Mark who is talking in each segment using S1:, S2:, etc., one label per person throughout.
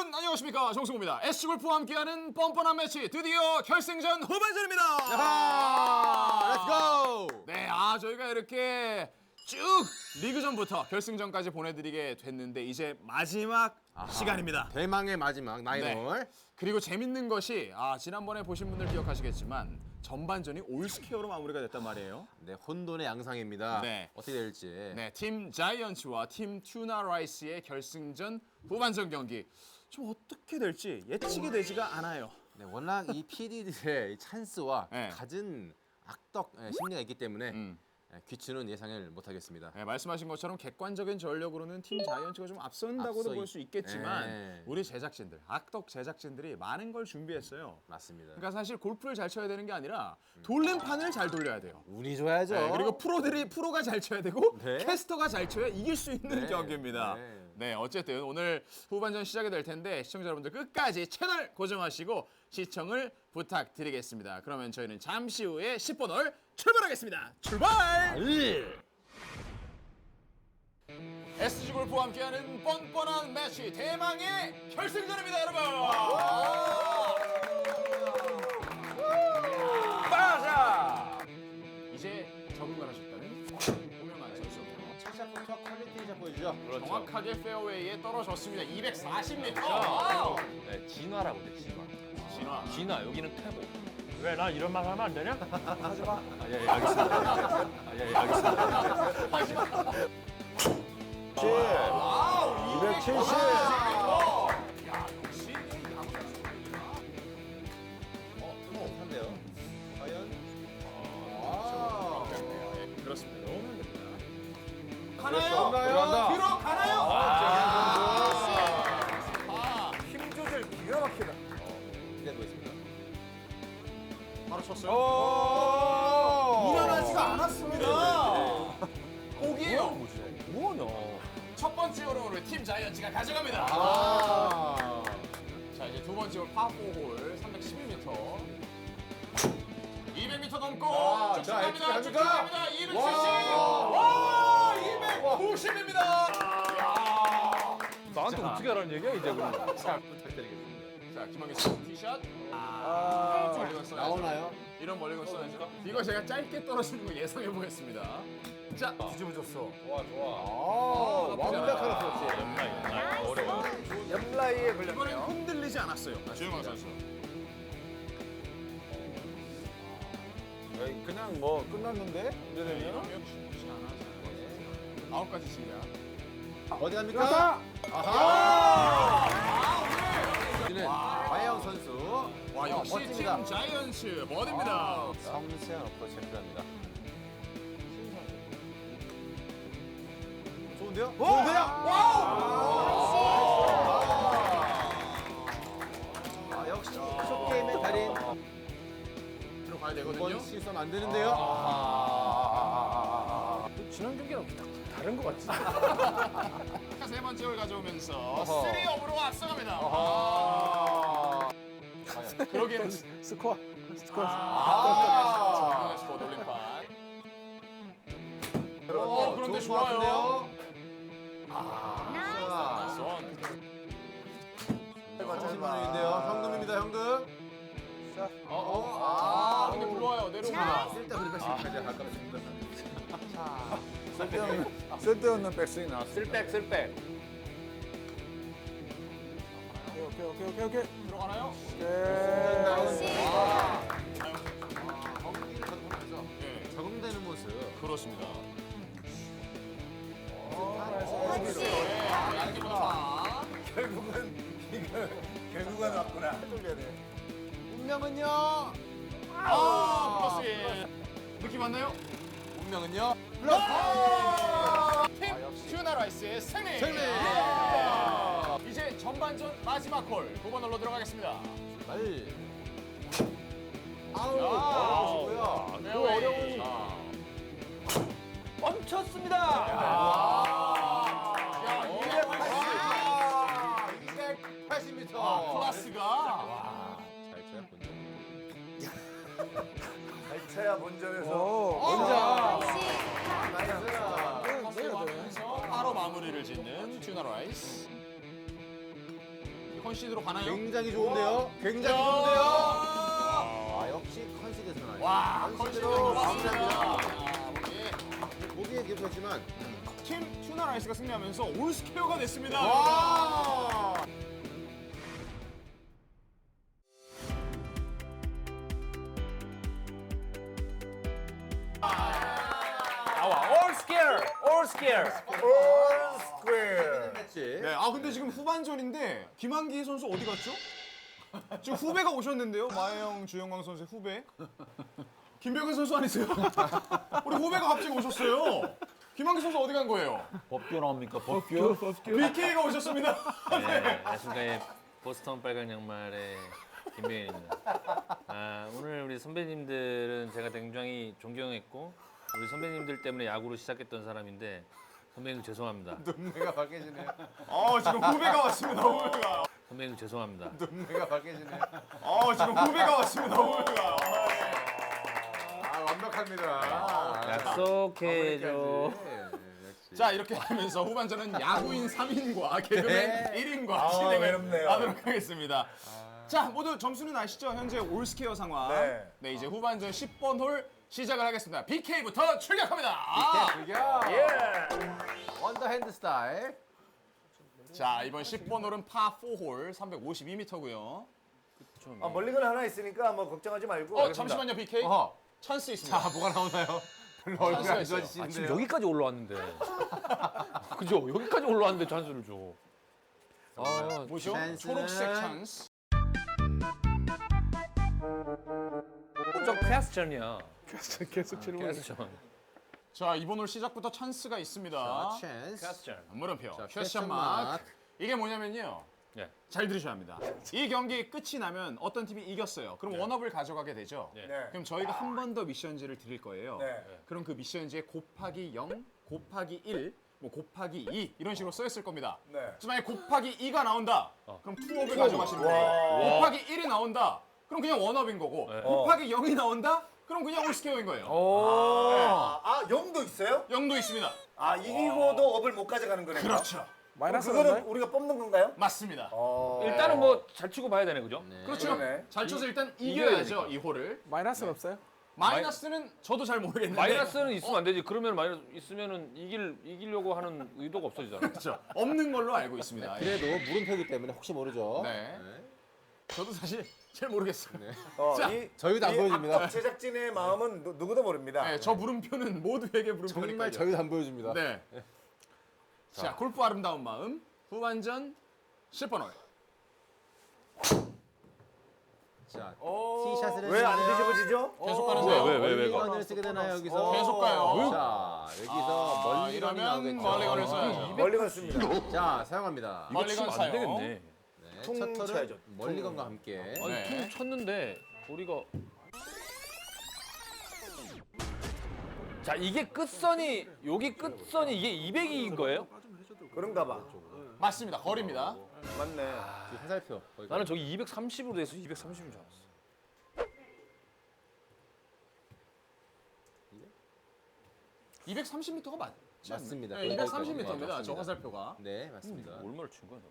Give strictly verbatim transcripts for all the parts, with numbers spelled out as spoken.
S1: 여러분 안녕하십니까, 정승호입니다. 에스지골프와 함께하는 뻔뻔한 매치 드디어 결승전 후반전입니다.
S2: 렛츠고!
S1: 네, 아 저희가 이렇게 쭉 리그전부터 결승전까지 보내드리게 됐는데 이제 마지막 아하, 시간입니다.
S2: 대망의 마지막 나인홀.
S1: 네. 그리고 재밌는 것이 아 지난번에 보신 분들 기억하시겠지만 전반전이 올스퀘어로 마무리가 됐단 말이에요.
S2: 네, 혼돈의 양상입니다.
S1: 네.
S2: 어떻게 될지.
S1: 네, 팀 자이언츠와 팀 튜나 라이스의 결승전 후반전 경기 좀 어떻게 될지 예측이 되지가 않아요.
S2: 네, 워낙 이 피디들의 찬스와
S1: 네.
S2: 갖은 악덕 예, 심리가 있기 때문에
S1: 음.
S2: 예, 귀추는 예상을 못하겠습니다.
S1: 네, 말씀하신 것처럼 객관적인 전력으로는 팀 자이언츠가 좀 앞선다고도
S2: 앞서
S1: 볼 수 있겠지만
S2: 네.
S1: 우리 제작진들, 악덕 제작진들이 많은 걸 준비했어요.
S2: 맞습니다.
S1: 그러니까 사실 골프를 잘 쳐야 되는 게 아니라 돌림판을 잘 돌려야 돼요.
S2: 운이 좋아야죠.
S1: 네, 그리고 프로들이 프로가 잘 쳐야 되고
S2: 네.
S1: 캐스터가 잘 쳐야 이길 수 있는
S2: 네.
S1: 경기입니다.
S2: 네.
S1: 네, 어쨌든 오늘 후반전 시작이 될 텐데 시청자 여러분들 끝까지 채널 고정하시고 시청을 부탁드리겠습니다. 그러면 저희는 잠시 후에 십 번 홀 출발하겠습니다. 출발! 에스지 골프와 함께하는 뻔뻔한 매치 대망의 결승전입니다, 여러분. 빠자! 이제 적응을 하셨다는 유명한 선수.
S2: 첫 샷부터 퀄리티 샷 보여주죠.
S1: 정확하게 페어웨이에 떨어졌습니다. 이백사십 미터. 와우!
S3: 네, 진화라고 돼, 진화.
S1: 진화.
S3: 진화, 여기는 퇴보.
S4: 왜 나 이런 말 하면 안 되냐? 하지 마.
S3: 아, 예, 예, 알겠습니다. 아, 예, 예, 알겠습니다.
S1: 와우!
S4: 이백칠십.
S1: 야, 역시 야구 선수입니다.
S2: 어, 한데요. 과연?
S1: 네, 그렇습니다. 너무 됩니다.
S2: 가나요?
S4: 들어간다.
S1: 들어가나요? 아,
S4: 힘 조절 기가 막히다.
S2: 기대해 보겠습니다.
S1: 바로 쳤어요.
S4: 오!
S1: 무난하지가 않았습니다. 오기예요.
S3: 뭐냐?
S1: 첫 번째 홀을 팀 자이언츠가 가져갑니다.
S2: 아.
S1: 자, 이제 두 번째 홀 파포 홀 삼백십일 미터. 이백 미터 넘고
S2: 아,
S1: 쭉쭉
S2: 자,
S1: 갑니다.
S2: 엑스피
S1: 쭉쭉
S2: 갑니까?
S1: 갑니다. 이백칠십.
S2: 와.
S1: 와, 이백구십입니다.
S3: 나한테 어떻게 하라는 얘기야, 이제 그럼?
S2: 잘 부탁드리겠습니다.
S1: 자, 김학의 씨 티샷.
S4: 아,
S1: 멀리 갔어야죠.
S2: 나오나요?
S1: 이런 멀리 갔어야죠. 이거 제가 짧게 떨어지는 거 예상해 보겠습니다. 자,
S4: 뒤집어졌어.
S3: 좋아, 좋아.
S2: 아,
S1: 나쁘지 않아요.
S2: 완벽한 어프로치.
S3: 연라인, 연라인. 어려워.
S4: 옆라이에
S1: 이번엔
S4: 걸렸네요.
S1: 흔들리지 않았어요. 주영광 선수.
S4: 그냥 뭐 끝났는데? 이러면
S1: 이러면 쉽지 않아서 아홉 가지 씩이야.
S2: 어디 갑니까?
S4: 그렇다.
S2: 아하! 우리는 과영 선수.
S1: 와, 역시
S2: 멋집니다.
S1: 팀 자이언츠 버디입니다.
S2: 아, 섬세한 어프로치 필요합니다. 좋은데요? 좋은데요? 아, 역시 숏게임의 달인.
S1: 들어가야
S2: 두
S1: 되거든요.
S2: 번 실수하면 안 되는데요?
S4: 지난 경기랑 다른 것 같지?
S1: 자, 세 번째 홀 가져오면서 쓰리 업으로 앞서갑니다.
S2: 아.
S1: 그러기에는
S4: 스코어. 스코어.
S1: 아, 스코어 돌림판. 어, 그런데
S2: 좋은 것
S1: 좋아요.
S2: 같은데요? 아,
S1: 선.
S2: 삼십만 원인데요. 현금입니다, 현금.
S1: 어, 어, 아, 형님 불러와요. 내려옵니다.
S2: 쓸데없는 백신까지 할까 싶습니다.
S4: 쓸데없는, 쓸데없는 백스윙 나왔어.
S3: 쓸백, 쓸백.
S4: 오케이, 오케이, 오케이, 오케이, 오케이.
S1: 들어가나요?
S4: 오케이.
S2: 경기를 거듭하면서
S1: 네,
S2: 적응되는 모습.
S1: 그렇습니다.
S4: 나이스.
S1: 네, 양기보다
S4: 결국은, 이거, 결국은 왔구나. 돌려야 돼.
S2: 운명은요?
S1: 아, 플러스 일. 느낌 왔나요?
S2: 운명은요?
S1: 팀 튜나라이스의 승리!
S2: 승리!
S1: 아, 이제 전반전 마지막 홀 구 번 홀로 들어가겠습니다.
S2: 말. 아우,
S1: 야,
S2: 어려우시고요.
S1: 그 어려운
S4: 멈췄습니다.
S2: 이백팔십 미터.
S1: 아, 클래스가
S2: 잘 쳐였군요.
S4: 발차야 본전에서.
S1: 혼자
S2: 나이스.
S1: 하면서 바로 마무리를 짓는 튜나라이스. 컨시드로 가나요?
S4: 굉장히 좋은데요? 굉장히
S1: 야!
S4: 좋은데요? 아, 역시 컨시드에서 나요.
S1: 와, 컨시드로
S4: 마무리합니다.
S1: 마무리합니다.
S4: 보기에 기록했지만
S1: 팀 튜나라이스가 승리하면서 올스케어가 됐습니다.
S4: 와!
S3: 나와. All scare. All scare.
S4: 올 스퀘어.
S1: 네, 아 근데 지금 후반전인데 김한기 선수 어디 갔죠? 지금 후배가 오셨는데요. 마혜영, 주영광 선수의 후배. 김병현 선수 아니세요? 우리 후배가 갑자기 오셨어요. 김한기 선수 어디 간 거예요?
S3: 법규 나옵니까? 법규?
S1: 비케이가 오셨습니다.
S3: 네, 안녕하십니까. 보스턴 빨간 양말의 김병현입니다. 아, 오늘 우리 선배님들은 제가 굉장히 존경했고 우리 선배님들 때문에 야구를 시작했던 사람인데 선배님 죄송합니다.
S4: 눈매가 밝게지네요.
S1: 아 지금 후배가 왔습니다. 후배가.
S3: 선배님 죄송합니다.
S4: 눈매가 밝게지네요.
S1: 아 지금 후배가 왔습니다. 후배가.
S4: 아, 완벽합니다.
S3: 약속해줘.
S1: 자 이렇게 하면서 후반전은 야구인 삼 인과 개그맨 일 인과
S2: 아,
S1: 진행을
S2: 외롭네요.
S1: 하도록 하겠습니다. 자 모두 점수는 아시죠? 현재 올스케어 상황.
S2: 네.
S1: 네 이제 후반전 십 번 홀 시작을 하겠습니다. 비케이부터 출격합니다. 아!
S4: 즐겨.
S1: 예.
S4: 원더핸드 스타일.
S1: 자 이번 십 번 홀은 파 사 홀 삼백오십이 미터고요.
S2: 아, 멀리건 하나 있으니까 뭐 걱정하지 말고.
S1: 어 잠시만요 비케이.
S4: 어허.
S1: 찬스 있습니다.
S4: 자, 뭐가 나오나요? 별로 얼굴이 안
S1: 있어요.
S3: 아, 지금
S4: 좋아지시는데요.
S3: 여기까지 올라왔는데. 그죠? 여기까지 올라왔는데 찬스를 줘. 아,
S1: 뭐죠?
S4: 찬스는-
S1: 초록색 찬스.
S3: 저 퀘스천이야.
S5: 계속 질문.
S3: 퀘스천.
S1: 자 이번 홀 시작부터 찬스가 있습니다.
S4: 찬스.
S3: 퀘스천.
S1: 물음표.
S4: 자,
S1: 퀘스천
S4: 퀘스천
S1: 마크.
S4: 마크.
S1: 이게 뭐냐면요.
S3: 네.
S1: 잘 들으셔야 합니다. 이 경기 끝이 나면 어떤 팀이 이겼어요. 그럼 원업을 가져가게 되죠.
S3: 네.
S2: 네.
S1: 그럼 저희가 한 번 더 미션지를 드릴 거예요.
S2: 네.
S1: 그럼 그 미션지에 곱하기 영, 곱하기 일, 뭐 곱하기 이 이런 식으로 써 있을 겁니다.
S2: 네.
S1: 그래서 만약에 곱하기 이가 나온다.
S3: 어.
S1: 그럼 투업을 가져가시는 거예요. 곱하기 일이 나온다. 그럼 그냥 원업인 거고.
S3: 네.
S1: 곱하기 영이 나온다. 그럼 그냥 올스케어인 거예요.
S2: 아, 아, 영도 있어요?
S1: 영도 있습니다.
S2: 아, 이기고도 업을 못 가져가는 거네요.
S1: 그렇죠.
S5: 마이너스
S2: 그거는
S5: 없나요?
S2: 우리가 뽑는 건가요?
S1: 맞습니다.
S2: 어.
S3: 일단은 뭐 잘 치고 봐야 되네, 그죠?
S4: 네.
S1: 그렇죠.
S2: 그러네.
S1: 잘 쳐서 일단
S3: 이겨야
S1: 이겨야죠, 이 홀을.
S5: 마이너스는 없어요?
S1: 마이너스는 저도 잘 모르겠는데.
S3: 마이너스는 있으면 안 되지. 그러면 마이너스 있으면은 이길 이기려고 하는 의도가 없어지잖아.
S1: 그렇죠. 없는 걸로 알고 있습니다. 예.
S4: 그래도 물음표기 때문에 혹시 모르죠.
S1: 네. 저도 사실 잘 모르겠어요. 네.
S2: 어,
S1: 자,
S2: 이,
S4: 저희도 안
S2: 이
S4: 보여줍니다.
S2: 악덕 제작진의 마음은 누, 누구도 모릅니다.
S1: 저 물음표는 모두에게 물음표니까요.
S4: 정말 저희도 안 보여줍니다.
S1: 네. 자, 골프 아름다운 마음 후반전 십 번 홀.
S4: 자,
S2: 오,
S4: 티샷을
S2: 왜 안
S4: 했는데요.
S2: 뒤집어지죠?
S1: 계속 가는데요.
S3: 왜, 왜, 왜, 왜, 왜?
S4: 멀리건을 쓰게 되나요 여기서?
S1: 계속 가요.
S4: 자, 여기서
S1: 아,
S4: 멀리건이
S1: 이러면
S4: 나오겠죠.
S1: 멀리건을 써야죠.
S2: 멀리 갔습니다.
S4: 자, 사용합니다.
S3: 이거
S1: 멀리건
S3: 치면 안
S1: 사용.
S3: 되겠네.
S4: 네,
S2: 퉁
S4: 첫 털은
S2: 쳐야죠.
S4: 멀리건과 함께.
S3: 아니,
S1: 네.
S3: 퉁 쳤는데 우리가 자, 이게 끝선이 여기 끝선이 이게 이백인 거예요?
S2: 그런가 봐.
S1: 맞습니다. 거리입니다.
S2: 맞네.
S4: 지금 화살표. 거기
S3: 나는 저기 이백삼십으로 돼서 이백삼십인 줄 알았어.
S1: 이백삼십 미터가 맞지 않나요?
S4: 맞습니다.
S1: 네, 이백삼십
S4: 네,
S1: 미터입니다. 저
S4: 맞습니다.
S1: 화살표가.
S4: 네, 맞습니다.
S3: 얼마를 친 거야, 너?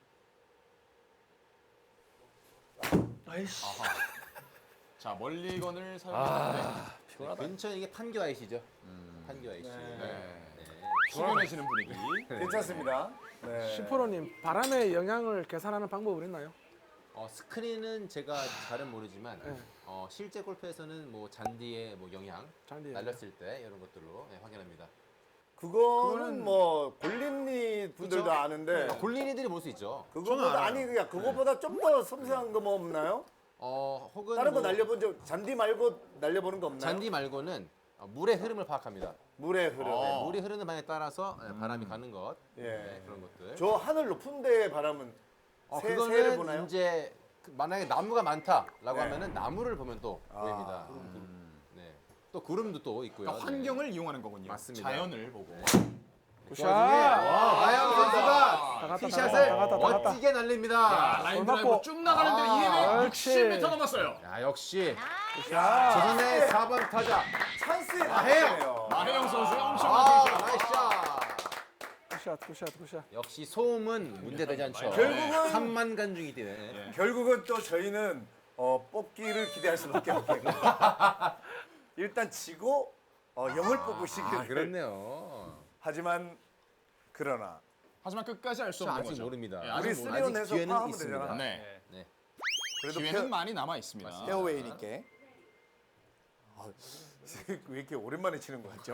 S1: 자, 멀리건을 사용했는데
S3: 피곤하다.
S4: 근처에 이게 판교 아이시죠? 판교 아이시.
S1: 네. 숙연해지는 분위기.
S2: 괜찮습니다. 네.
S5: 슈퍼로님 바람의 영향을 계산하는 방법은 있나요?
S4: 어, 스크린은 제가 잘은 모르지만
S5: 네.
S4: 어, 실제 골프에서는 뭐 잔디의 뭐 영향,
S5: 잔디의
S4: 날렸을 때 이런 것들로 네, 확인합니다.
S2: 그거는 뭐 골린니 분들도
S1: 그쵸?
S2: 아는데
S4: 골린이들이 볼 수 있죠.
S2: 그거보다 아니 그냥 그거보다 좀 더 섬세한 거 뭐 없나요?
S4: 어, 혹은
S2: 다른 거
S4: 뭐
S2: 날려본 적 잔디 말고 날려보는 거 없나요?
S4: 잔디 말고는 어, 물의 흐름을 파악합니다.
S2: 물의 흐름.
S1: 어.
S4: 네, 물이 흐르는 방에 따라서 네, 바람이 가는 것,
S2: 예.
S4: 네, 그런 것들.
S2: 저 하늘 높은 데의 바람은
S4: 어,
S2: 새, 새를
S4: 그거는
S2: 보나요?
S4: 이제 그 만약에 나무가 많다라고
S2: 네.
S4: 하면은 나무를 보면 또
S2: 아.
S4: 보입니다. 네. 또 구름도 또 있고요.
S1: 그러니까 환경을 이용하는 거군요.
S4: 맞습니다.
S1: 자연을 보고.
S4: 그 와중에 와, 마영 선수가
S5: 갔다,
S4: 티샷을
S5: 다 갔다, 다 갔다.
S4: 멋지게
S1: 자,
S4: 날립니다.
S1: 라인
S5: 맞고.
S1: 드라이브 쭉 나가는데
S4: 아,
S1: 이백육십 미터 넘었어요.
S4: 야, 역시
S5: 야,
S4: 조선의 사 번 타자
S2: 찬스에
S4: 아, 해요.
S2: 나네요.
S1: 마혜영 선수의 엄청난
S4: 아,
S1: 티샷.
S4: 나이스 샷.
S5: 굿샷 굿샷 굿샷.
S4: 역시 소음은 문제되지 않죠.
S2: 결국은-
S4: 삼만 간중이 뛰네.
S1: 예.
S2: 결국은 또 저희는 어, 뽑기를 기대할 수밖에 없겠고 일단 치고 어, 영을 뽑으시길.
S4: 아, 그렇네요.
S2: 하지만 그러나
S1: 하지만 끝까지 알 수
S4: 저
S1: 없는
S4: 아직
S1: 거죠.
S4: 모릅니다.
S1: 예,
S2: 우리
S1: 아직 모르-
S2: 쓰리온
S4: 아직
S2: 내서
S4: 기회는
S2: 파하면
S4: 있습니다.
S2: 되잖아.
S1: 네.
S4: 네.
S2: 그래도
S1: 기회는
S2: 페어,
S1: 많이 남아 있습니다.
S2: 페어웨이니까. 아, 왜 이렇게 오랜만에 치는 거 같죠?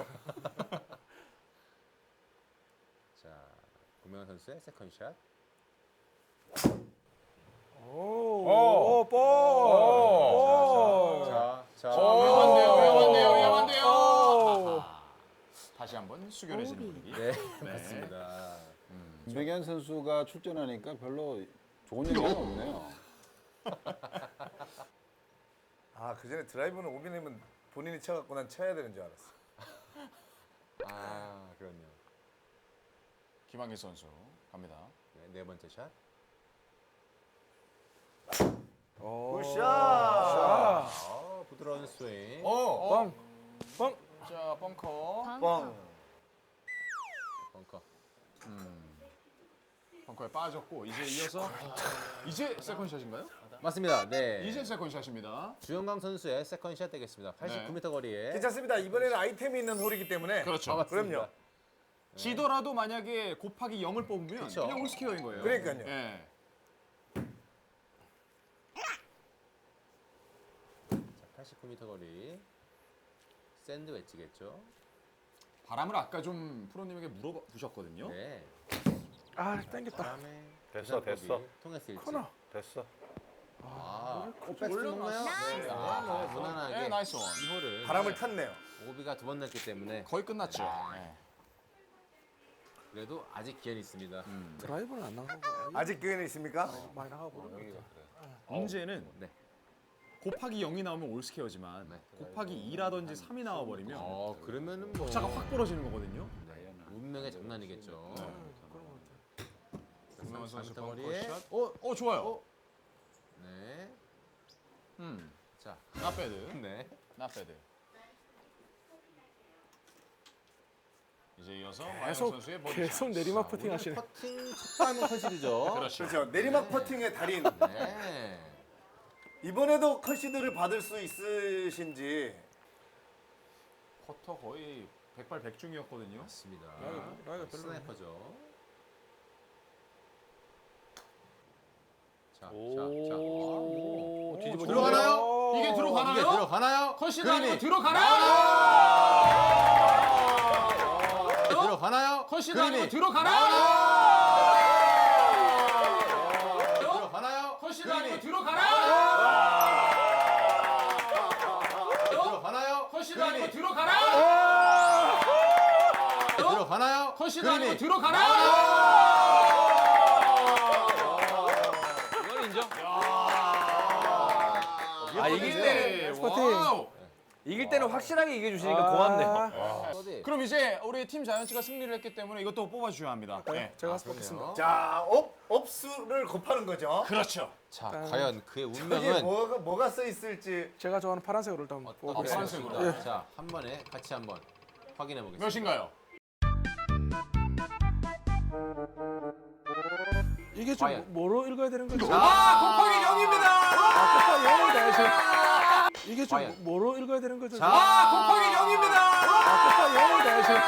S4: 자, 구명환 선수의 세컨샷.
S5: 오, 볼. 볼.
S4: 자, 자.
S1: 위험한데요, 위험한데요, 위험한데요.
S5: 오.
S1: 아하. 다시 한번 수결해지는 분위기.
S4: 네, 맞습니다.
S6: 김백현 선수가 출전하니까 별로 좋은 얘기가 없네요.
S2: 아, 그 전에 드라이브는 오비님은 본인이 쳐갖고 난 쳐야 되는 줄 알았어.
S4: 아, 그렇네요.
S1: 김한길 선수 갑니다.
S4: 네, 네 번째 샷.
S2: 굿샷!
S5: 아.
S4: 어, 부드러운 스윙.
S1: 어,
S5: 뻥. 뻥.
S1: 자 벙커.
S2: 뻥.
S4: 벙커.
S1: 벙커에 빠졌고 이제 이어서 이제 세컨샷인가요?
S4: 맞습니다. 네.
S1: 이제 세컨샷입니다.
S4: 주영강 선수의 세컨샷 되겠습니다. 팔십구 미터 거리에.
S2: 괜찮습니다. 이번에는 아이템이 있는 홀이기 때문에.
S1: 그렇죠.
S4: 아, 맞습니다.
S2: 그럼요.
S1: 지더라도 만약에 곱하기 영을 뽑으면
S4: 그쵸.
S1: 그냥 올스퀘어인 거예요.
S2: 그러니까요.
S1: 예.
S4: 자, 팔십구 미터 거리. 샌드 웨지겠죠.
S1: 바람을 아까 좀 프로님에게 물어보셨거든요.
S4: 네.
S5: 아, 땡겼다.
S4: 다음에
S2: 됐어, 됐어.
S4: 통했을지.
S5: 코너.
S2: 됐어.
S4: 아,
S1: 올려놨어요.
S4: 네. 아, 뭐 무난하게
S1: 네, 나이스 원.
S4: 이호를
S2: 바람을 탔네요.
S4: 오비가 두 번 났기 때문에
S1: 거의 끝났죠. 예.
S4: 그래도 아직 기회는 있습니다.
S5: 드라이브는 안 나가고
S2: 아직 기회는 있습니까?
S5: 많이 나가고.
S1: 문제는
S4: 네.
S1: 곱하기 영이 나오면 올스퀘어지만
S4: 네.
S1: 곱하기 이라든지 삼이 나와버리면
S4: 어, 그러면은 뭐
S1: 차가 확 벌어지는 거거든요.
S4: 운명의 장난이겠죠.
S1: 김명환 선수
S4: 삼 미터 거리에.
S1: 벙커샷. 어, 어 좋아요.
S4: 네.
S1: 음,
S4: 자,
S1: 나배드,
S4: 네.
S1: 나배드. 이제 이어서 마영
S5: 계속
S1: 선수의 버디
S5: 계속 내리막 퍼팅 하시네.
S4: 퍼팅 첫 발은 컨실이죠.
S1: 그렇죠.
S2: 그렇죠. 내리막 퍼팅의 달인.
S4: 네.
S2: 이번에도 컨시드를 받을 수 있으신지.
S1: 퍼터 거의 백발백중이었거든요.
S4: 맞습니다.
S5: 라이가- 라이가 별로
S4: 스나이퍼죠. 자, 자, 자.
S1: 오,
S4: 오, 뒤집어
S1: 들어가나요? 이게 들어가나요?
S4: 이게 들어가나요?
S1: 컨시드 아니고
S4: 그림이
S1: 들어가나요?
S4: 들어가나요?
S1: 컨시드
S4: 그림이
S1: 아니고 들어가나요?
S4: 들어가나요?
S1: 컨시드 아니고 들어가나요?
S4: 들어가나요?
S1: 컨시드 아니고 들어가나요?
S4: 들어가나요?
S1: 컨시드 아니고
S4: 그림이
S1: 들어가나요?
S3: 이건 인정.
S1: 아
S3: 이길 때
S1: 와우.
S3: 이길 때는 확실하게 이겨주시니까 고맙네요.
S5: 아,
S4: 어디?
S1: 그럼 이제 우리 팀 자이언츠가 승리를 했기 때문에 이것도 뽑아주셔야 합니다. 네.
S5: 제가
S4: 아,
S5: 뽑겠습니다.
S4: 그러네요.
S2: 자, 업, 업수를 곱하는 거죠.
S1: 그렇죠.
S4: 자, 과연 그의
S2: 여기
S4: 운명은
S2: 뭐가, 뭐가 써 있을지.
S5: 제가 좋아하는 파란색으로 일단
S4: 어떤
S5: 뽑겠습니다.
S1: 파란색으로.
S5: 예.
S4: 자, 한 번에 같이 한번 확인해 보겠습니다.
S1: 몇인가요?
S5: 이게 좀
S4: 과연.
S5: 뭐로 읽어야 되는 거죠?
S1: 아, 곱하기 영입니다.
S5: 아, 영이다 지금. 이게 좀
S4: 과연.
S5: 뭐로 읽어야 되는 거죠?
S1: 아, 곱하기 영입니다.
S5: 아, 영이다 지금.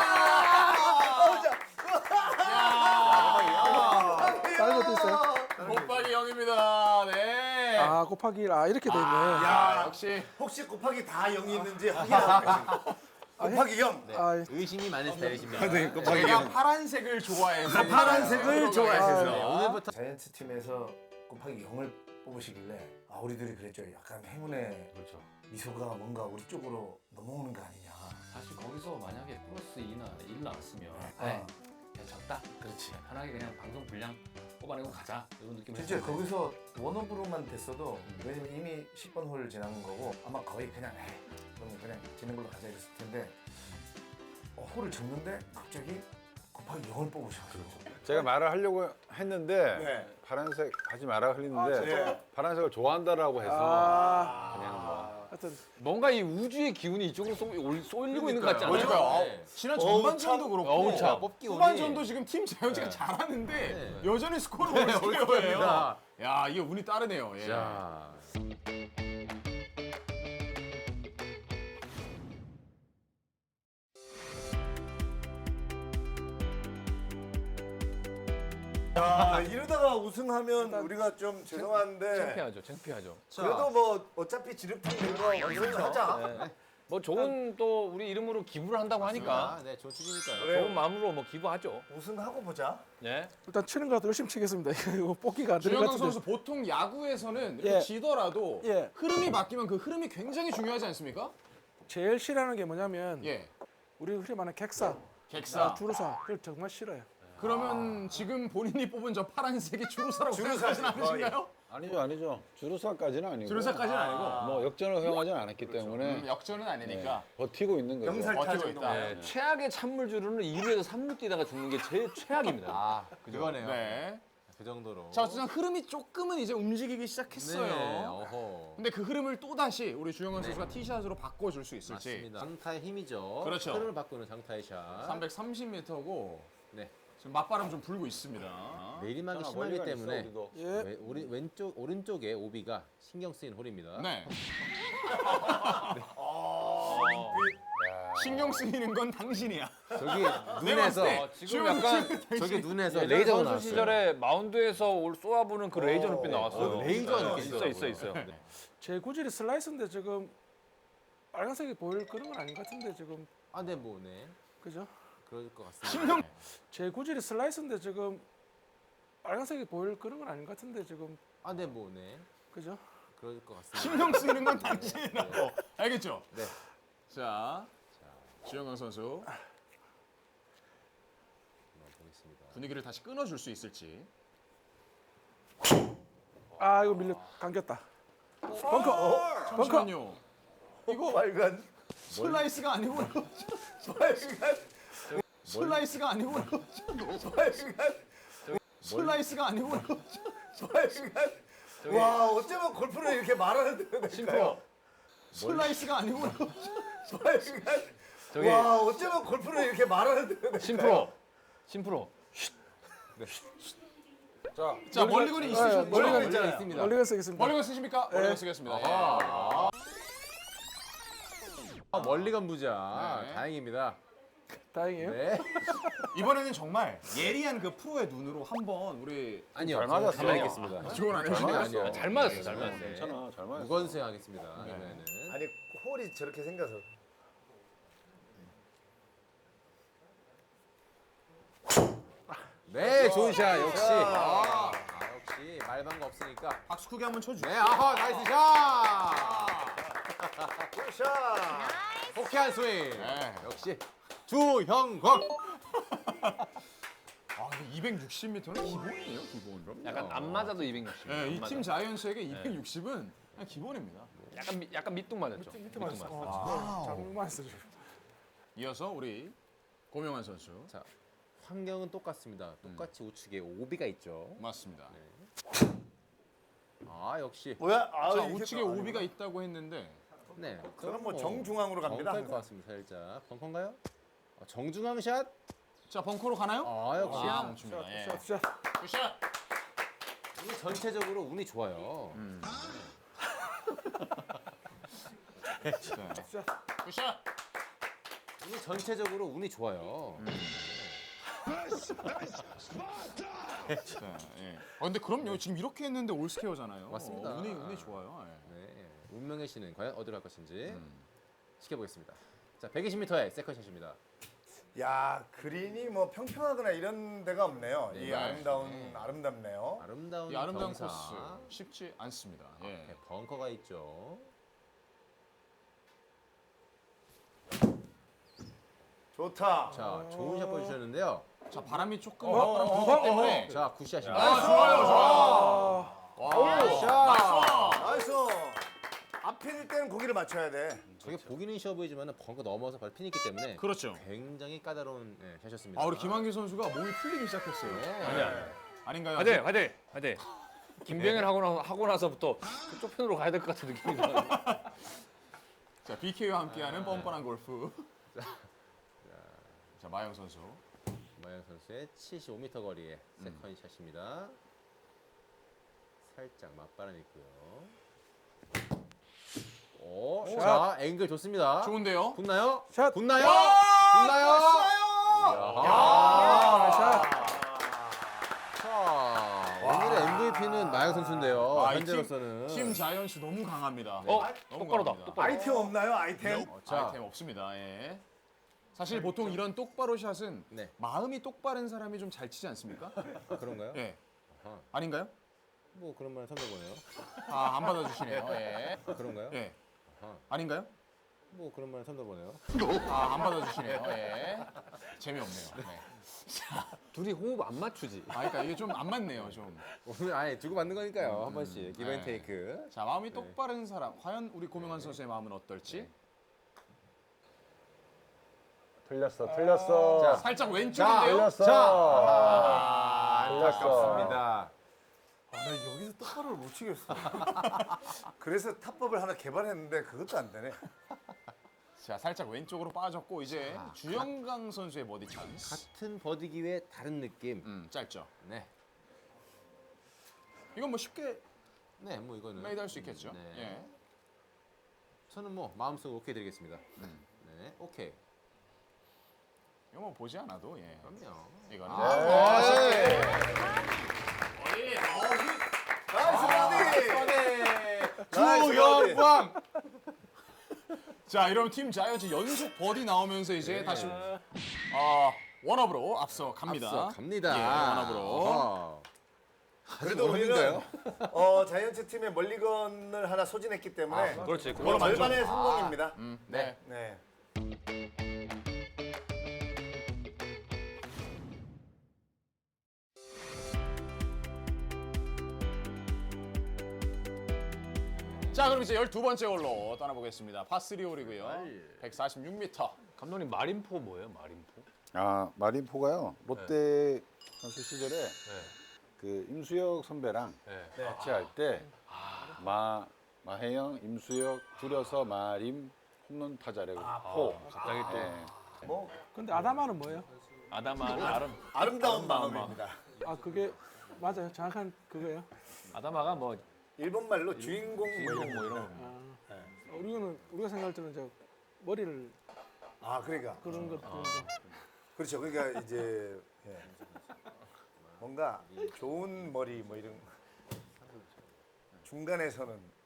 S5: 다른 것도 있어요?
S1: 곱하기 영입니다. 네.
S5: 아, 곱하기 일. 아, 이렇게 돼 있네.
S1: 야, 역시
S2: 혹시 곱하기 다 영이 있는지 확인하겠습니다. 곱하기 영.
S4: 네.
S5: 아,
S4: 의심이 많은 스타일이십니다.
S1: 제가 파란색을 좋아해서
S2: 파란색을 좋아해서.
S4: 네, 오늘부터
S2: 자이언츠 팀에서 곱하기 영을 뽑으시길래 아 우리들이 그랬죠. 약간 행운의
S3: 그렇죠.
S2: 미소가 뭔가 우리 쪽으로 넘어오는 거 아니냐.
S3: 사실 거기서 만약에 플러스 이나 일 나왔으면
S2: 아.
S3: 네. 그냥 졌다. 그렇지. 편하게 그냥 방송 분량 뽑아내고 가자. 이런 느낌.
S2: 실제 거기서 원오브로만 됐어도 왜냐면 이미 십 번 홀을 지난 거고 아마 거의 그냥 에이 그럼 그냥 지는 걸로 가자 이랬을 텐데 어, 홀을 졌는데 갑자기 곱하기 영을 뽑으셔가지고
S6: 제가 말을 하려고 했는데
S2: 네.
S6: 파란색 하지 마라 흘리는데
S2: 아, 네.
S6: 파란색을 좋아한다라고 해서
S5: 아,
S6: 그냥 뭐
S5: 하여튼
S3: 뭔가 이 우주의 기운이 이쪽으로 쏘, 올- 쏠리고 있는 것 같지 않아요?
S1: 그러니까요.
S3: 네.
S1: 지난 전반전도 그렇고
S3: 어우, 참.
S4: 뽑기 운이.
S1: 후반전도 지금 팀 자연스가 잘하는데 여전히 스코어를 올스케어예요. 야 이게 운이 따르네요. 예.
S4: 자.
S2: 야, 이러다가 우승하면 우리가 좀 죄송한데
S3: 창피하죠, 창피하죠.
S2: 그래도 뭐 어차피 지름탕 된거 우승하자.
S3: 뭐 좋은 또 우리 이름으로 기부를 한다고 하니까
S4: 아, 네, 좋은 취지니까요.
S2: 그래요.
S3: 좋은 마음으로 뭐 기부하죠.
S2: 우승하고 보자.
S3: 예.
S5: 일단 치는 거라도 열심히 치겠습니다. 이거 뽑기가 안 되는 것
S1: 주영강
S5: 같은데.
S1: 선수 보통 야구에서는 이렇게
S5: 예.
S1: 지더라도
S5: 예.
S1: 흐름이 바뀌면 그 흐름이 굉장히 중요하지 않습니까?
S5: 제일 싫어하는 게 뭐냐면
S1: 예.
S5: 우리 흔히 말하는 객사,
S1: 객사.
S5: 주루사 그걸 정말 싫어요.
S1: 그러면 지금 본인이 뽑은 저 파란색이 주루사라고
S2: 주루사지,
S1: 생각하진 않으신가요?
S6: 아니죠, 아니죠. 주루사까지는 아니고.
S1: 주루사까지는 아니고
S6: 뭐 역전을 허용하지 않았기 때문에
S1: 음, 역전은 아니니까.
S6: 버티고 있는 거죠.
S2: 경살
S1: 버티고
S2: 타죠.
S1: 있다.
S3: 네, 최악의 찬물주로는 이 루에서 삼 루 뛰다가 죽는 게 제일 최악입니다.
S4: 아, 그거네요.
S1: 네.
S4: 그 정도로.
S1: 자 어쨌든 흐름이 조금은 이제 움직이기 시작했어요.
S4: 네, 어허.
S1: 근데 그 흐름을 또 다시 우리 주영원 선수가 티샷으로 바꿔줄 수 있을지.
S4: 맞습니다. 장타의 힘이죠.
S1: 그렇죠.
S4: 흐름을 바꾸는 장타의 샷.
S1: 삼백삼십 미터고
S4: 네.
S1: 지금 맞바람 좀 불고 있습니다.
S4: 내리막이
S6: 있잖아,
S4: 심하기
S6: 멀리가 있어,
S4: 때문에
S6: 우리도.
S5: 예.
S4: 왼- 우리 왼쪽 오른쪽에 오비가 신경 쓰인 홀입니다.
S1: 네. 신경 쓰이는 건 당신이야.
S4: 저기
S1: 내가
S4: 눈에서
S1: 봤을 때
S3: 어, 지금
S1: 주영원
S3: 약간
S1: 선수
S4: 저기 눈에서
S3: 예전
S4: 레이저가
S3: 선수
S4: 나왔어요.
S3: 시절에 마운드에서 올 쏘아보는 그 레이저 눈빛 나왔어요.
S4: 어, 레이저
S3: 네,
S4: 눈빛
S3: 있어 있어 있어요.
S5: 제 구질이 슬라이스인데 지금 빨간색이 보일 그런 건 아닌 것 같은데 지금
S4: 아, 네, 뭐, 네.
S5: 그죠?
S4: 그럴 것 같습니다.
S1: 신경
S5: 제 구질이 슬라이스인데 지금 빨간색이 보일 그런 건 아닌 것 같은데 지금
S4: 아, 네, 뭐, 네.
S5: 그죠?
S4: 그럴 것 같습니다.
S1: 신경 쓰이는 건 당신이라고. 알겠죠?
S4: 네.
S1: 자, 주영강 선수
S4: 한번 보겠습니다.
S1: 분위기를 다시 끊어줄 수 있을지.
S5: 아 이거 밀려 감겼다. 벙커.
S1: 잠시만요. 이거
S2: 빨간
S1: 슬라이스가 아니고
S2: 빨간
S1: 슬라이스가 아니고
S2: 빨간
S1: 슬라이스가 아니고
S2: 빨간. 와, 어쩌면 골프를 이렇게 말하는 데가 될까요?
S1: 슬라이스가 아니고
S2: 빨간.
S3: 저기
S2: 와, 어쩌면 골프를 이렇게 말하는 데가 될까요?
S3: 심프로, 심프로.
S6: 자,
S1: 자 멀리건이 있으셨죠?
S5: 멀리건
S2: 멀리건
S4: 있잖아요. 있습니다.
S5: 멀리가 쓰겠습니다.
S1: 멀리건 쓰십니까? 멀리건 쓰겠습니다. 예.
S4: 아, 멀리 간 부자.
S1: 네.
S4: 다행입니다.
S5: 다행이에요.
S4: 네.
S1: 이번에는 정말 예리한 그 프로의 눈으로 한번 우리
S4: 아니요,
S6: 잘
S4: 저는
S6: 맞았어요.
S4: 가만히 있겠습니다.
S1: 지원 안 해주시네요.
S6: 맞았어.
S3: 아, 잘 맞았어요, 잘 맞았어요.
S6: 괜찮아, 잘 맞았어.
S4: 무건 수행하겠습니다. 이번에는.
S2: 아니, 홀이 저렇게 생겨서.
S4: 네, 좋은 샷. 역시. 아, 역시 말방거 없으니까.
S1: 박수 크게 한번 쳐주세요.
S4: 네, 아하, 나이스 샷.
S2: 샷.
S4: 호쾌한 스윙.
S1: 네.
S4: 역시 주형광.
S1: 아, 이백육십 미터는 기본이에요, 기본으로.
S3: 약간 안 맞아도 이백육십.
S1: 네, 이 팀 자이언츠에게 이백육십은 그냥 기본입니다.
S3: 약간 미- 약간 밑둥 맞았죠.
S5: 밑에 맞았어.
S3: 맞았어.
S5: 어, 잘못 맞았어. 지금.
S1: 이어서 우리 고명환 선수.
S4: 자, 환경은 똑같습니다. 똑같이 우측에 오비가 있죠.
S1: 맞습니다.
S4: 아, 역시.
S2: 뭐야? 아,
S1: 자,
S2: 이게
S1: 우측에
S2: 또
S1: 오비가 있다고 했는데
S4: 네.
S2: 저는 뭐 정중앙으로 갑니다.
S4: 벙커일 것 같습니다. 살짝. 벙커인가요? 어, 정중앙 샷.
S1: 자, 벙커로 가나요?
S4: 아, 역시.
S1: 아, 멈춥니다. 예.
S5: 샷, 샷.
S1: 굿샷.
S4: 오늘 전체적으로 운이 좋아요.
S1: 자, 굿샷.
S4: 오늘 전체적으로 운이 좋아요.
S1: 자, 예. 어, 근데 그럼요. 지금 이렇게 했는데 올스케어잖아요.
S4: 맞습니다.
S1: 어, 운이 운이 좋아요. 예.
S4: 네. 운명의 신은 과연 어디로 갈 것인지 지켜보겠습니다. 자, 백이십 미터의 세컨샷입니다.
S2: 야, 그린이 뭐 평평하거나 이런 데가 없네요. 이
S4: 네.
S2: 아름다운
S4: 네.
S2: 아름답네요.
S4: 아름다운
S1: 이 아름다운
S4: 경사.
S1: 코스 쉽지 않습니다. 예.
S4: 네, 벙커가 있죠.
S2: 좋다.
S4: 자, 좋은 샷 보여주셨는데요.
S1: 자, 바람이 조금
S2: 어,
S1: 바람
S2: 어,
S1: 불기
S2: 어,
S1: 때문에
S4: 자, 굿샷입니다.
S1: 아, 좋아요, 좋아요.
S2: 샷. 나이스. 앞필 때는 고기를 맞춰야 돼.
S4: 저게 보기는 쉬워 보이지만 벙커 넘어서 바로 핀이 있기 때문에
S1: 그렇죠.
S4: 굉장히 까다로운 네, 샷이었습니다.
S1: 아, 우리 김한길 선수가 몸이 풀리기 시작했어요.
S4: 네.
S3: 아니야.
S1: 아닌가요?
S3: 화대, 화대, 화대. 김병현 하고 나 하고 나서부터 그쪽 편으로 가야 될 것 같은 느낌이 들어요.
S1: 자, 비케이와 함께하는 뻔뻔한 골프. 자, 마영 선수.
S4: 마영 선수의 칠십오 미터 거리의 세컨 샷입니다. 살짝 맞바람 있고요. 오, 자, 앵글 좋습니다.
S1: 좋은데요?
S4: 붙나요?
S5: 샷.
S4: 붙나요?
S1: 아,
S4: 붙나요?
S5: 아, 샷.
S4: 자, 오늘의 엠브이피는 마영 선수인데요.
S1: 아, 이
S4: 현재로서는.
S1: 팀, 팀 자이언츠 너무 강합니다.
S3: 어,
S1: 너무
S3: 똑바로다.
S1: 강합니다.
S3: 똑바로.
S2: 아이템 없나요? 아이템?
S1: 어,
S4: 자.
S1: 아이템 없습니다. 예. 사실 보통 이런 똑바로 샷은
S4: 네.
S1: 마음이 똑바른 사람이 좀 잘 치지 않습니까?
S4: 아, 그런가요?
S1: 예.
S4: 아하.
S1: 아닌가요?
S4: 뭐 그런 말 선배 보네요.
S1: 아, 안 받아주시네요. 예.
S4: 아, 그런가요?
S1: 예.
S4: 아하.
S1: 아닌가요?
S4: 뭐 그런 말 선배 보네요.
S1: 아, 안 받아주시네요. 예. 재미없네요. 네.
S3: 둘이 호흡 안 맞추지.
S1: 아, 그러니까 이게 좀 안 맞네요, 좀.
S4: 오늘 아예 주고 받는 거니까요. 한 번씩
S1: 네.
S4: 기브앤테이크.
S1: 자, 마음이 똑바른 사람. 과연 우리 고명환 선수의 마음은 어떨지?
S6: 틀렸어, 틀렸어.
S4: 자,
S1: 살짝
S4: 자,
S1: 왼쪽인데요?
S6: 틀렸어.
S4: 자.
S1: 아,
S4: 안타깝습니다.
S2: 아, 나 여기서 똑바로를 못 치겠어. 그래서 탑법을 하나 개발했는데 그것도 안 되네.
S1: 자, 살짝 왼쪽으로 빠졌고 이제 주영강 선수의 버디 찬스.
S4: 같은 버디 기회 다른 느낌.
S1: 음, 짧죠.
S4: 네.
S1: 이건 뭐 쉽게
S4: 네, 뭐 이거는
S1: 메이드 할 수 있겠죠.
S4: 네.
S1: 예.
S4: 저는 뭐 마음속으로 오케이 드리겠습니다. 네, 오케이.
S1: 이거 뭐 보지 않아도 예.
S4: 그럼요.
S1: 이거는
S4: 아,
S1: 아, 쉽게.
S2: 나이스 버디.
S1: 주영광. 자, 이러면 팀 자이언츠 연속 버디 나오면서 이제 다시 아, 원업으로 앞서 갑니다.
S4: 앞서 갑니다.
S1: 예, 원업으로.
S4: 어허.
S2: 그래도 우리는 어, 자이언츠 팀의 멀리건을 하나 소진했기 때문에
S3: 그렇지.
S2: 뭐
S3: 그걸로
S2: 절반의 성공입니다.
S1: 음, 네.
S2: 네.
S1: 자, 그럼 이제 열두 번째 홀로 떠나보겠습니다. 파쓰리 홀이고요. 백사십육 미터.
S3: 감독님 마림포 뭐예요? 마림포?
S6: 아, 마린포가요. 롯데 선수 시절에 그 임수혁 선배랑
S3: 네.
S6: 같이 할 때 마 마혜영, 임수혁 줄여서 마림 홈런 타자라고. 포.
S3: 갑자기 또
S6: 네.
S2: 뭐
S5: 근데 아다마는 뭐예요?
S3: 아다마는 아름
S2: 아름다운 마음입니다.
S5: 아, 그게 맞아요. 정확한 그거예요.
S3: 아다마가 뭐
S2: 일본 말로 주인공 뭐
S3: 주인공
S2: 이런
S3: 뭐
S2: 거.
S3: 이런 거.
S5: 아, 우리는 우리가 생각할 때는 저 머리를
S2: 아, 그러니까.
S5: 그런 것 아.
S2: 그렇죠. 그러니까 이제 예. 뭔가 좋은 머리 뭐 이런 중간에서는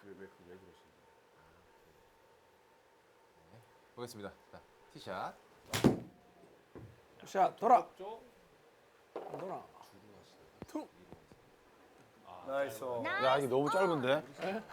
S4: 보겠습니다. 자, 티샷.
S5: 샷 돌아. 안 돌아. 투.
S2: 나이스.
S6: 야, 이게 너무 짧은데?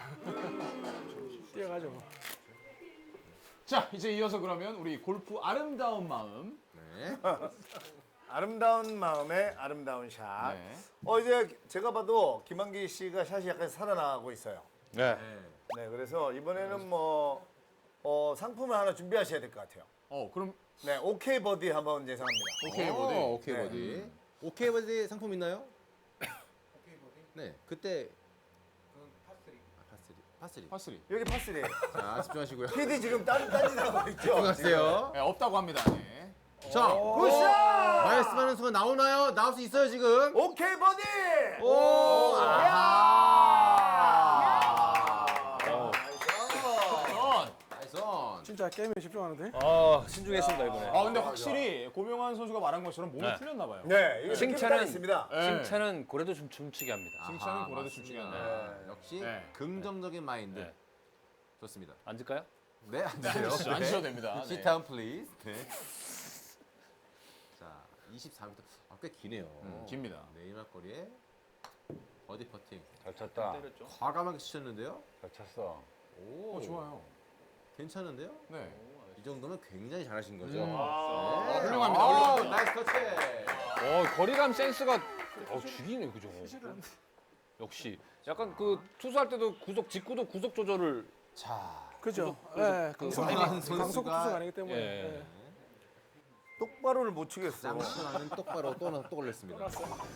S5: 뛰어가죠.
S1: 자, 이제 이어서 그러면 우리 골프 아름다운 마음.
S4: 네.
S2: 아름다운 마음의 아름다운 샷.
S1: 네.
S2: 어 이제 제가 봐도 김한기 씨가 샷이 약간 살아나가고 있어요.
S6: 네.
S2: 네, 그래서 이번에는 뭐 어, 상품을 하나 준비하셔야 될 것 같아요.
S1: 어, 그럼
S2: 네, 오케이 버디 한번 예상합니다.
S1: 오케이
S4: 오,
S1: 버디.
S4: 오케이
S2: 네.
S4: 버디. 오케이 버디 상품 있나요? 오케이 버디. 네, 그때 아, 파스리. 파스리.
S1: 파쓰리.
S2: 여기 파스리에요.
S4: 자, 집중하시고요.
S2: 피디 지금 딴 딴짓 하고 있죠.
S4: 집중하세요.
S1: 네, 없다고 합니다. 네.
S4: 자,
S2: 굿샷!
S4: 말씀하는 순간 나오나요? 나올 수 있어요 지금.
S2: 오케이 버디!
S4: 오,
S1: 어.
S4: 나이스 온.
S5: 진짜 게임에 집중하는데.
S3: 아 신중했습니다 이번에.
S1: 아, 근데 확실히 고명환 선수가 말한 것처럼 몸이
S3: 네.
S1: 풀렸나 봐요.
S2: 네, 이거
S3: 칭찬은-
S2: 칭찬은 있습니다.
S1: 네.
S3: 칭찬은 고래도 좀 춤추게 합니다.
S1: 칭찬은
S4: 아하,
S1: 고래도
S4: 맞습니다.
S1: 춤추게 한다.
S2: 네.
S4: 역시
S1: 네.
S4: 긍정적인 마인드.
S3: 네.
S4: 좋습니다.
S3: 앉을까요?
S4: 네, 앉으세요.
S1: 앉으시죠. 앉으셔도 됩니다. 네.
S4: Sit down, please. 네. 자, 이십사 미터. 아, 꽤 기네요.
S1: 음, 깁니다.
S4: 내리막 거리에 버디 퍼팅.
S6: 잘 쳤다.
S3: 때렸죠.
S4: 과감하게 치셨는데요.
S6: 잘 쳤어.
S4: 오,
S1: 어, 좋아요.
S4: 괜찮은데요?
S1: 네.
S4: 이 정도면 굉장히 잘하신 거죠.
S1: 음.
S4: 네.
S1: 아, 훌륭합니다,
S4: 아,
S1: 훌륭합니다.
S4: 나이스 터치.
S3: 어 거리감 센스가 어 죽이네 그죠. 역시 약간 그 투수할 때도 구속 직구도 구속 조절을
S4: 자,
S5: 그죠.
S3: 그-
S5: 예,
S3: 그-
S5: 강속
S4: 강한
S5: 강속
S4: 선수가-
S5: 투수가 아니기 때문에.
S3: 예.
S5: 예.
S2: 똑바로를 못 치겠어.
S4: 쌍시간은 똑바로 또, 또 걸렸습니다.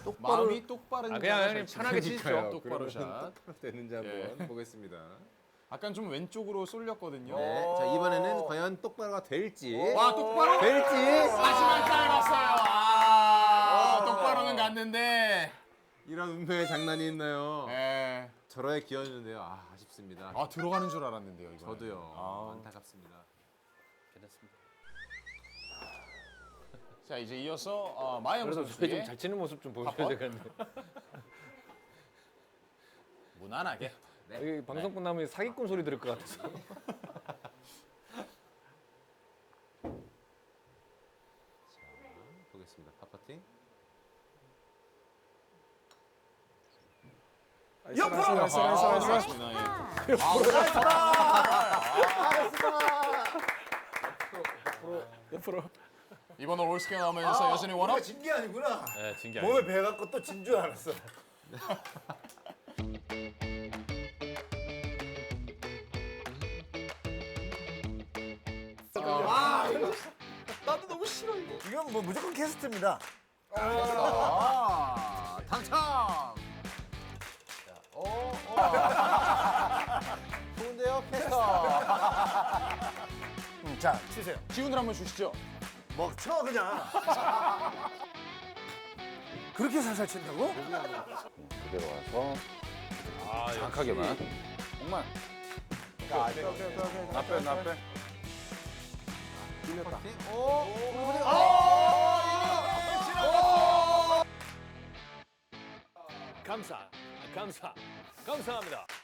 S1: 마음이 똑바른
S3: 아 그냥
S1: 자가
S3: 형님
S1: 잘
S3: 편하게
S1: 치니까요.
S3: 치십시오.
S1: 똑바로
S4: 그러면
S1: 샷.
S4: 똑바로 되는지 한번
S1: 예.
S4: 보겠습니다.
S1: 약간 좀 왼쪽으로 쏠렸거든요.
S4: 네. 자 이번에는 과연 똑바로가 될지.
S1: 와 똑바로
S4: 될지.
S1: 하지만 짧았어요. 아, 똑바로는 갔는데.
S4: 이런 운명의 장난이 있나요?
S1: 예.
S4: 저러에 기어주는데요. 아 아쉽습니다.
S1: 아 들어가는 줄 알았는데요 이거.
S4: 저도요.
S1: 아.
S4: 안타깝습니다.
S3: 괜찮습니다.
S1: 자 이제 이어서 어, 마영
S3: 그래도 저희
S1: 선수의
S3: 좀잘 치는 모습 좀 보여줘야
S1: 팝업?
S3: 되겠는데.
S1: 무난하게.
S3: 여기 방송 끝나면 사기꾼 소리 들을 것 같아서.
S4: 보겠습니다. 파퍼팅.
S5: 옆으로 나이스 나이스
S1: 아,
S5: 나이스 나이스.
S1: 좋습니다. 예.
S5: 옆으로.
S1: 이번 올 올스케어 나오면서 여전히 원업.
S2: 진게 아니구나.
S3: 네, 진기
S2: 몸에
S3: 아니에요.
S2: 배 갖고 또 진 줄 알았어.
S1: 나도 너무 싫어 이거.
S2: 이건 뭐 무조건 캐스트입니다.
S1: 아, 당첨.
S4: 좋은데요, 캐스터.
S2: 음, 자, 치세요.
S1: 기운을 한번 주시죠.
S2: 먹쳐 그냥. 그렇게 살살 친다고?
S6: 그대로 와서
S3: 아,
S6: 정확하게만. 정말. 나빼 나빼.
S3: 감사, 감사, 감사합니다.